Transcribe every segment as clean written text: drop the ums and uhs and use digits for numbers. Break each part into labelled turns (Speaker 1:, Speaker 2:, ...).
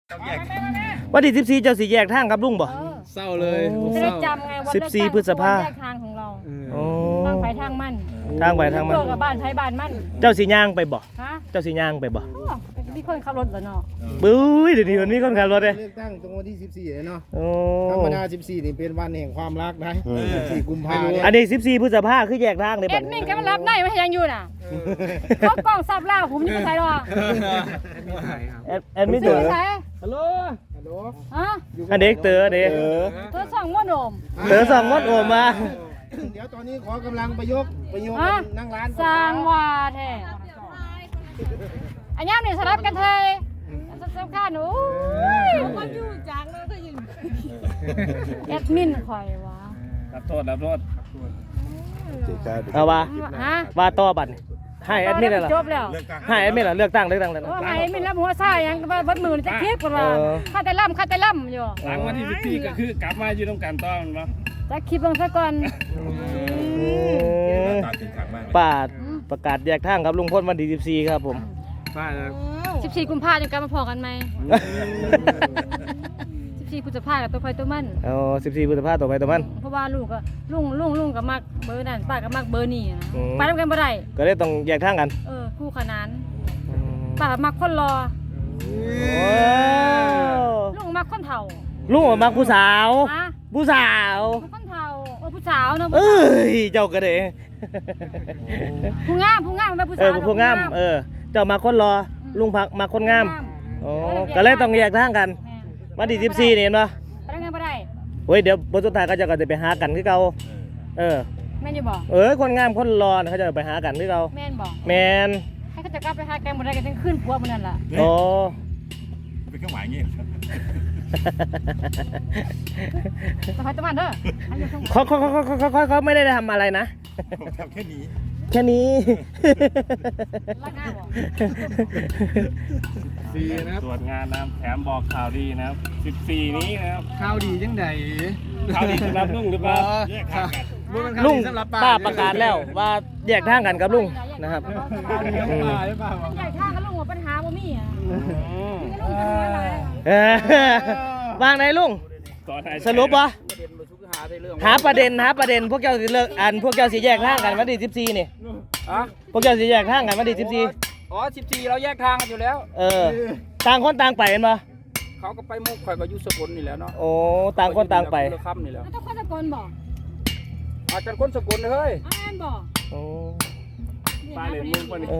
Speaker 1: วันที่14เจ้าสิแยกทางกับลุงบ่
Speaker 2: เศร้าเลย
Speaker 3: จะได้จำไงวัน
Speaker 1: 14พฤษภาคม
Speaker 3: แยกทางของเรา
Speaker 1: โอ้
Speaker 3: ทางไปทางมัน
Speaker 1: ทางไปทางมัน
Speaker 3: เกับบ้านไทยบ้านมัน
Speaker 1: เจ้าสิย่างไปบ่
Speaker 3: ฮะ
Speaker 1: เจ้าสิย่างไปบ่
Speaker 3: มีคนขับรถเหรอเนาะ
Speaker 1: ปุ้ยเดี๋ยวนี้มันมีคนขับรถเด้
Speaker 2: เลือกตั้งตรงวันที่14เลยเนาะ
Speaker 1: โอ้
Speaker 2: ธรรมดา14นี่เป็นวันแห่งความรักนะ14กุมภาพันธ์
Speaker 1: อันนี้14พฤษภาคมคือแยกทางเลย
Speaker 3: แอ
Speaker 1: บัด
Speaker 3: ดมินก็มารับได้ไม่ยังอยู่น่ะเขากล้องซับล่าผมอยู่ใส่หรอ
Speaker 1: แอดมินเตอร์
Speaker 3: ใส่
Speaker 2: ฮัลโหลฮัลโหล
Speaker 3: ฮะ
Speaker 1: อันเด็กเตอร์เด้
Speaker 3: เธอส่องม้วนโอม
Speaker 1: เตอร์2มดโอมมา
Speaker 2: เดี๋ยวตอนนี้ขอกำลังประยกนั่งร้าน
Speaker 3: สร้างว่าแท้อันนี้นี่สลับกันเทยสำคัญโอ้ยมันอยู่จังเลยก็ยิงแอดมินคอยวะ
Speaker 4: รับโทษ
Speaker 1: เอาว่า
Speaker 3: ฮะ
Speaker 1: ว่าต่อบัดนี้ให้แอดมินล่ะ
Speaker 3: จบแล้ว
Speaker 1: ให้แอดมินล่ะเลือกตั้ง
Speaker 3: โอ้ให้แอดมินรับหัวซ่ายังวัดมือจะคลิปกันว่าข้าแต่ล่ำอยู่
Speaker 4: หลังวันที่14ก็คือกลับมาอยู่ตรงกันต่อมันบ่
Speaker 3: จะคลิปลงซะก่อน
Speaker 1: ป้าประกาศแยกทางกับลุงพลวันที่14ครับผม
Speaker 2: ป้า
Speaker 3: 14 กุมภาพันธ์จะกลับมาพอกันไหม14 พฤษภาคมกับตัวใครตัวมัน
Speaker 1: เอา14พฤษภาคมต่อไปต่อมัน
Speaker 3: เพราะว่าลูกก็ลุงกับมักเบอร์นั่นป้ากับมักเบอร์นี่นะ
Speaker 1: อืม
Speaker 3: ไปทำกันบ่ได้
Speaker 1: ก็เลยต้องแยกทางกัน
Speaker 3: คู่ขนานป้ามักคนรอ
Speaker 1: โอ้
Speaker 3: ลุงมักคนเฒ่า
Speaker 1: ลุงออกมาผู้สาว
Speaker 3: ฮะ
Speaker 1: ผู้สาว
Speaker 3: มักคนเฒ่าผู้สาวเนาะ
Speaker 1: เอ้ยเจ้าก็เด้
Speaker 3: ผู้งามมันเป็นผู้
Speaker 1: เอ
Speaker 3: สา
Speaker 1: อ
Speaker 3: ว
Speaker 1: ผู้งามเจ้ามาคนรอลุงพักมาคนงามโอ้ก็เลยต้องแยกทางกันวันที่14นี่เห็นบ่
Speaker 3: ไปทำกันบ่ได้
Speaker 1: เฮ้ยเดี๋ยวบทสุดท้ายเขาจะก็จะไปหากันคือเก่า
Speaker 3: แม่นอยู่บ่
Speaker 1: คนงามคนรอน่ะเขาจะไปหากันคือเก่า
Speaker 3: แม่นบ่
Speaker 1: แมน
Speaker 3: ให้เขาจะกลับไปหากันบ่ได้กันทั้งคืนผัวมื้อนั้นล่ะ
Speaker 1: โอ้
Speaker 4: เป็นเครื่องหมายอย่างงี้
Speaker 3: สบายตะมันเด้อให้อยู่ข้างบน
Speaker 1: เขาไม่ได้ทำอะไรนะ
Speaker 4: ผมทำแค่นี้
Speaker 1: แค่นี้
Speaker 3: รักหน้าบ่
Speaker 2: นะครับ
Speaker 4: ตรวจงานนะครับแถมบอกข่าวดีนะครับ14นี้นะครับ
Speaker 2: ข้าวดีจังใด
Speaker 4: ข่าวดีสำหรับลุงหรือเปล่าแยกทางกัน
Speaker 1: ลุงป้าประกาศแล้วว่าแยกทางกันกับลุงนะครับ
Speaker 2: ข้าวดีจังใดหรือเปล่า
Speaker 3: ใหญ่ท่ากับลุงว่าปัญหาบ่มีอ่ะ
Speaker 1: วางไหนลุง
Speaker 4: ตอนไหน
Speaker 1: สรุปวะหาประเด็นพวกเจ้าสิเลิกพวกเจ้าสิแยกทางกันวันที่14นี่พวกเจ้าสิแยกทางกันวันที่14
Speaker 5: อ๋อ14เราแยกทางกันอยู่แล้ว
Speaker 1: ต่างคนต่างไปเห็นปะ
Speaker 5: เขาก็ไปมุกข่อยก็อยู่สกลนี่แหล้วเนาะ
Speaker 1: โอ้ต่างคนต่างไป
Speaker 5: คนละคำนี่แหล้ว
Speaker 3: ต้องคนตะโกนบ่
Speaker 5: อาจารย์คนสกลเฮ้ย
Speaker 3: อ้านบ่
Speaker 1: โอ้
Speaker 4: ป้าเล่นมุกป่ะนี่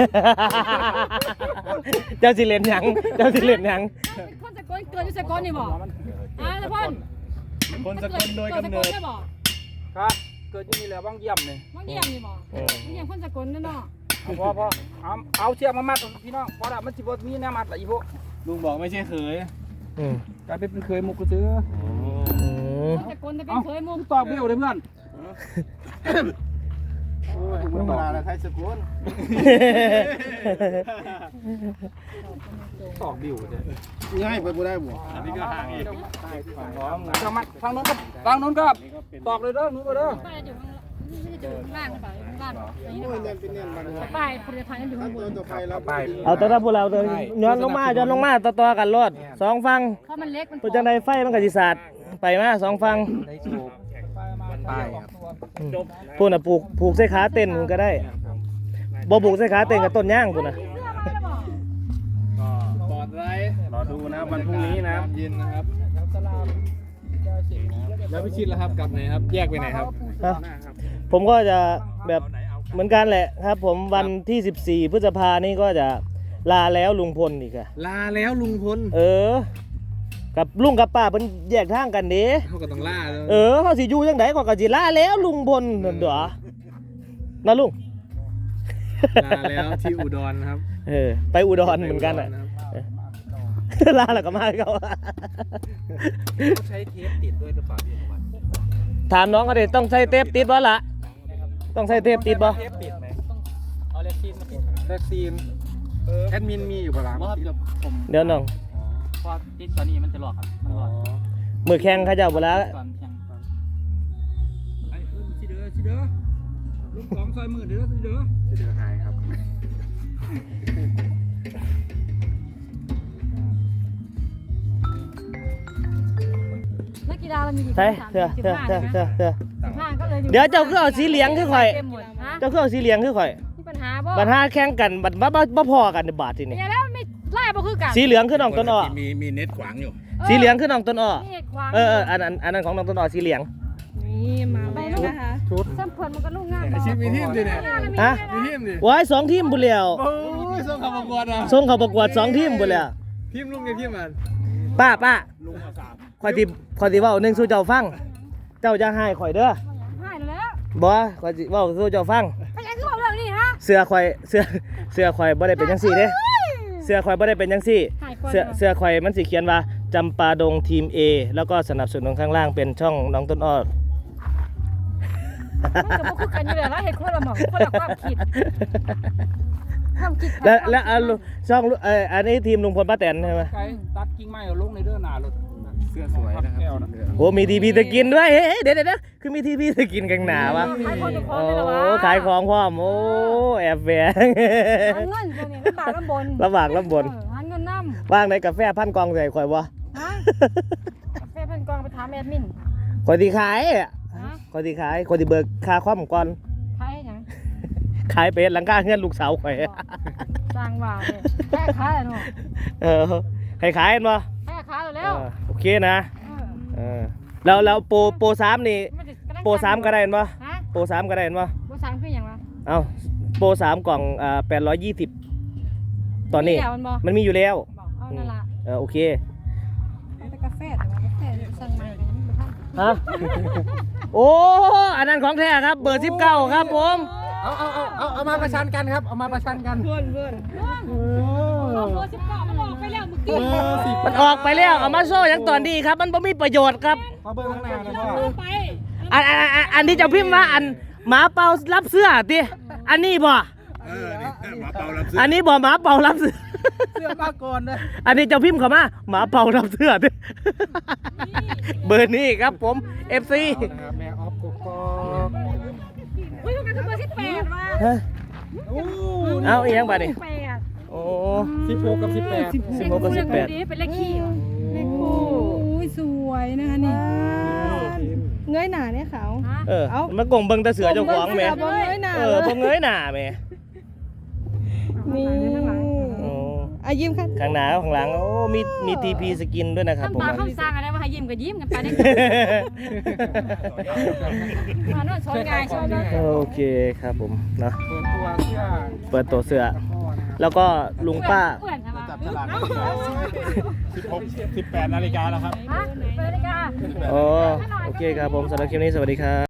Speaker 1: เจ้าสิเล่นหยังเจ้าสิเล่นหยัง
Speaker 3: คนตะโกนเกิดอยู่สกลนี่บ่ตะพ่น
Speaker 4: คนสกลโดยกำเนิด
Speaker 3: ได้บ่
Speaker 5: ครับเกิดอยู่นี่แหละว่างเยี่ยมนี่
Speaker 3: บางเยี่ยมนี่บ่บางเยี่ยมคนสกลนั่นเนาะ
Speaker 5: พ่อเอาเชือกมามัดพี่น้องพอละมันสิบ่มีแนวมัดละอีพวก
Speaker 4: ลุงบอกไม่ใช่เคย
Speaker 5: กลายเป็นเคยมุกกูซื้อ
Speaker 3: คนสกลจะเป็นเคยมุม
Speaker 5: ตอกเบี้ยวเลยเพื่อน
Speaker 2: โอ้ยธรรมดาแล้วไทยสกุล
Speaker 5: ตอกเบี้ยวเลย
Speaker 2: ง่ายไปบ่ได้บ่
Speaker 4: อันนี้ก็ห่างอีก
Speaker 5: ทางนู้นก็ตอกเลยเด้อนู้นก็เด้อ
Speaker 3: ป้ายอยู่ข้างล่างหรือเปล่าข้างล่าง
Speaker 2: โอ้ยแน่นเป็นแน่นมันครับ
Speaker 3: ป้ายผลิตภัณฑ์อยู่ข้างบน
Speaker 2: ตัวไฟเราไป
Speaker 1: เอาตัวพวกเราตัวย้อนลงมาต่อกันรอดสองฟัง
Speaker 3: เพราะมันเล็กมัน
Speaker 1: ตัวจังไดไฟมันก็สิสาดไปมาสองฟัง
Speaker 5: ป้ายครับ
Speaker 1: พูดน่ะผูกใส่ขาเต้นก็ได้บ่ผูกใส่ขาเต้นกับต้นย่างพุ่นน่ะ
Speaker 4: ก็ปลอดไรรอดูนะวันพรุ่งนี้นะครับ
Speaker 2: เย็นนะครับแล้วพี่ชิดแล้วครับกลับไหนครับแยกไปไหนครับ
Speaker 1: ผมก็จะแบบเหมือนกันแหละครับ ผมวันที่14พฤษภานี่ก็จะลาแล้วลุงพลอีกอะ
Speaker 2: ลาแล้วลุงพล
Speaker 1: กับลุงกับป้าเพิ่นแยกทางกันเด้
Speaker 2: เขาก็ต้องล่าแล้ว
Speaker 1: เฮาสิอยู่จังไดก็สิลาแล้วลุงพลนั่นเด้อนะลุง
Speaker 2: ลาแล้วที่อุดรครับ
Speaker 1: ไปอุดรเหมือนกันอ่ะลาแล้วก็มาเขา
Speaker 5: ใช้เทปติดด้วยหรือเปล่าพี่วัน
Speaker 1: ถามน้องเขาดิต้องใส่เทปติดบ่ล่ะต้องใส่เทปติดบ่
Speaker 5: เทปติดไหมเอาเล็กซีนมาติด
Speaker 2: แท็กซีนแอดมินมีอยู่ปะล่ะ
Speaker 5: ว่าครับผม
Speaker 1: เดี๋ยวน้อง
Speaker 5: พอติดตอนนี้มันจะหลอกครับมันหลอก
Speaker 1: มือแข่งเขาเจ้าบ่ละ
Speaker 5: ก่อนเพียงไอ้สิเด้อลูกของซอยมือเด้อสิเด้อ
Speaker 2: จะเดือหายครับ
Speaker 3: ดาเรามีกี่
Speaker 1: ใช่
Speaker 3: สาม
Speaker 1: เถอะ
Speaker 3: สิบ
Speaker 1: เถอะ
Speaker 3: ห้า
Speaker 1: เถอะ
Speaker 3: ใช่ไหม
Speaker 1: เถอะ
Speaker 3: 15ก็เลยอยู่
Speaker 1: เดี๋ยวเจ้าคือเอาสีเหลืองคือข่อย
Speaker 3: เต็มหมดฮะ
Speaker 1: เจ้าคือเอาสีเหลืองคือข่อย
Speaker 3: มีปัญหาบ่
Speaker 1: บัดหาแข่งกันบัดบ่พอกันในบาทที่นี่
Speaker 3: เนี่ยแล้วไม่ไล่บ่คือกัน
Speaker 1: สีเหลืองคือน้องต้นอ้อ
Speaker 5: มีเน็ตขวางอยู่
Speaker 1: สีเหลืองคือน้องต้นอ้อ
Speaker 3: นี่ขวาง
Speaker 1: อันนั้นของน้องต้นอ้อสีเหลือง
Speaker 6: นี่มาแล้วนะคะ
Speaker 2: ชุด
Speaker 3: ซ้ำเพิ่นมันก็ลูกงาม
Speaker 5: ชิมมีทีมดิเนี่ย
Speaker 1: ฮะ
Speaker 5: มีทีมดิ
Speaker 1: ว้าย2 ทีมบุแล้ว
Speaker 5: โอ้ยส่งเข้าประกวดอ่ะ
Speaker 1: ส่งเข้าประกวด2 ทีมบุแล้ว
Speaker 5: ทีมลุงกับทีมมัน
Speaker 1: ป้า
Speaker 5: ลุงเอา3
Speaker 1: ข่อยสิเว้าหนึงสู่เจ้าฟัง เจ้าจะให้ข่อยเด้อ
Speaker 3: ให้แล้ว
Speaker 1: บ่ข่อยสิเว้าสู่เจ้าฟัง
Speaker 3: ไปยังคือบอกเรื่องนี้ฮะ
Speaker 1: เสื้อข่อยบ่ได้เป็นจังซี่เด้เสื้อข่อยบ่ได้เป็นจังซี่
Speaker 3: ให้คน
Speaker 1: เสื้อข่อยมันสิเขียนว่าจำปาดงทีม A แล้วก็สนับสนุนข้างล่างเป็นช่องน้องต้นอ้อ
Speaker 3: มันก็บ่คือกันอยู่แล้วเฮ็ดคนละหม่องคนละความคิดความคิด
Speaker 1: แล้วช่องอันนี้ทีมลุงพลป้าแตนใช่ไหม
Speaker 5: ไก่ตัดกิ่งไม้เอาลงในเด้อหน้ารถเสื้อสวยนะครับ
Speaker 1: โอ้มีทีพีสกินด้วยเฮ้ยเดี๋ยวคือมีทีพีสกินกันหนาวะ
Speaker 3: ขายคนทุกคน
Speaker 1: โอ้
Speaker 3: เลยเหรอวะ
Speaker 1: ขายของพร้อมโอ้แอบแฝง
Speaker 3: หาเงินตัวนี้ลำบากลำบน
Speaker 1: ลำบากลำบน
Speaker 3: หาเงินน้
Speaker 1: ว่างในกาแฟพันกองใส่ข่อยวะ
Speaker 3: ำฮะแฟนเพิ่นกองไปถามแอดมิน
Speaker 1: ข่อยที่ขายอะ
Speaker 3: ฮะ
Speaker 1: ข่อยที่ขายข่อยที่เบิกค่าคอมก่อน
Speaker 3: ขายหยัง
Speaker 1: ขายเป็ดหลังคาเงินลูกสาวข่อย
Speaker 3: สร้างว่าเลยแค่ขายแล้วเนาะ
Speaker 1: เออให้ขายเห็นบ่
Speaker 3: แค่ขายแล้ว
Speaker 1: โอเคนะแล้วโปร3นี่โปร3ก็ได้เห็นบ่
Speaker 3: ฮะ
Speaker 1: โปร3ก็ได้เห็นบ่
Speaker 3: โปร3คือหยังวะ
Speaker 1: เอ้าโปร3กล่อง820ตอนนี้
Speaker 3: มีแล้วมันบ่
Speaker 1: มันมีอยู่แล้ว
Speaker 3: บอกเอานั่นล่ะ
Speaker 1: โอเค
Speaker 3: แต่กาแฟแต่ว่ากาแฟสั่งใหม่ก็ยังบ่ทัน
Speaker 1: ฮะ โอ้อันนั้นของแท้ครับเบอร์19ครับผม
Speaker 5: เอามาประชันกันครับเอามาประชันกัน
Speaker 6: เพื่อนเพื่อน
Speaker 3: เอาเบอร์19มันออกไปแล้วเมื่อกี้
Speaker 1: มันออกไปแล้วเอามาโซ่อย่างตอนนี้ครับ มันบ่มีประโยชน์ครับ
Speaker 5: มาเบิ่งข้างหน้านะพ่อ
Speaker 3: ไป
Speaker 1: อันที่เจะพิมพ์ว่าอันหมาเป่ารับเสื้อติอันนี้บ่
Speaker 5: นี่มาเป่ารับซื้อ
Speaker 1: อันนี้บ่หมาเป่ารับเสื้อ
Speaker 2: เสื้อมาก่อนนะ
Speaker 1: อันนี้เจะพิมพ์เข้ามาหมาเป่ารับเสื้อติเบอร์นี้ครับผม FC
Speaker 2: นะครับแม่ออฟกกอก
Speaker 3: อุ้ยมันคือเบอร์18ว่ะ
Speaker 1: ฮะเอาอีกยังบัดนี้
Speaker 3: 18
Speaker 1: โอ้
Speaker 5: 16กับ18
Speaker 1: 16กับ18
Speaker 3: เป็นเลขขี้
Speaker 6: เลขคู่อุ้ยสวยนะคะนี่เงยหน้าเนี่ยเขา
Speaker 3: ฮะ
Speaker 1: มันกงเบิ่งแต่เสือเจ้าของแหม่
Speaker 6: บ่เงยหน้า
Speaker 1: บ่เงยหน้าแหม่
Speaker 6: นี่
Speaker 1: โอ้
Speaker 6: ยิ้มค่ะ
Speaker 1: ข้างหน้าข้างหลังโอ้มีทีพีสกินด้วยนะครับ
Speaker 3: คำ
Speaker 1: ผม
Speaker 3: ตาคำสั่งอะไรว่าให้ยิ้มก็ยิ้มกันไปได้มาโน่นชนไงชน
Speaker 1: โอเคครับผมเนาะ
Speaker 5: เปิดตัวเสื้อ
Speaker 1: เปิดตัวเสื้อ แล้วก็ลุงป้า
Speaker 3: เพื่อนใช่ปะ
Speaker 2: จับฉลาก
Speaker 5: 18 นาฬิกาแล้วครับ
Speaker 3: ฮะเปิดนาฬิกา
Speaker 1: อ๋อโอเคครับผมสำหรับคลิปนี้สวัสดีครับ